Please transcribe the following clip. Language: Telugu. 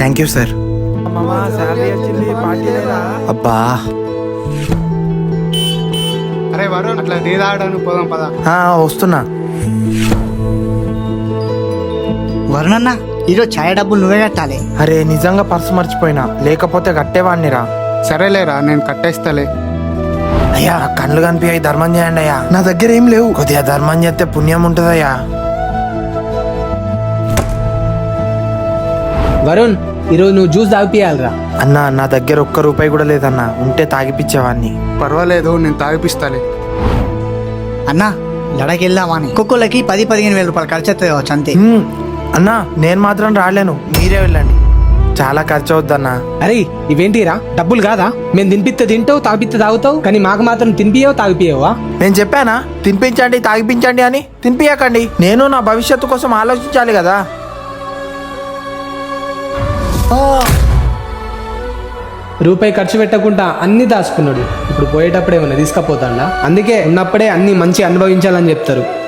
Thank you sir. అబ్బా అరే వరుణ్, అట్లా టీ తాగడానికి పోదాం పదా. వస్తున్నా. వరుణన్న, ఈరోజు ఛాయ్ డబ్బులు నువ్వే కట్టాలి. అరే నిజంగా పర్సు మర్చిపోయినా, లేకపోతే కట్టేవాడినిరా. సరేలేరా, నేను కట్టేస్తాలే. అయ్యా కళ్ళు కనిపించాయి, ధర్మం చేయండి అయ్యా. నా దగ్గర ఏం లేవు, కొద్దిగా ధర్మం చేస్తే పుణ్యం ఉంటుందయ్యా. వరుణ్, ఈరోజు నువ్వు జ్యూస్ తాగిపియాలరా. అన్నా నా దగ్గర ఒక్క రూపాయి కూడా లేదన్నా, ఉంటే తాగిపిచ్చేవాడిని. పర్వాలేదు, నేను తాగిపిస్తాలే. అన్నా లడకి వెళ్దామా అని ఒక్కొక్కళ్ళకి 10-15 వేల రూపాయలు ఖర్చు అవుతుంది కావచ్చు అంతే. అన్నా నేను మాత్రం రాలేను, మీరే వెళ్ళండి. చాలా ఖర్చు అవుద్దన్నా. అరే ఇవేంటిరా, డబ్బులు కాదా? మేము తినిపిస్తే తింటావు, తాగిపిస్తే తాగుతావు, కానీ మాకు మాత్రం తినిపియవు తాగిపియవా? నేను చెప్పానా తినిపించండి తాగిపించండి అని? తినిపియకండి. నేను నా భవిష్యత్తు కోసం ఆలోచించాలి కదా. రూపాయి ఖర్చు పెట్టకుండా అన్ని దాచుకున్నాడు. ఇప్పుడు పోయేటప్పుడు ఏమన్నా తీసుకపోతాడా? అందుకే ఉన్నప్పుడే అన్ని మంచి అనుభవించాలని చెప్తారు.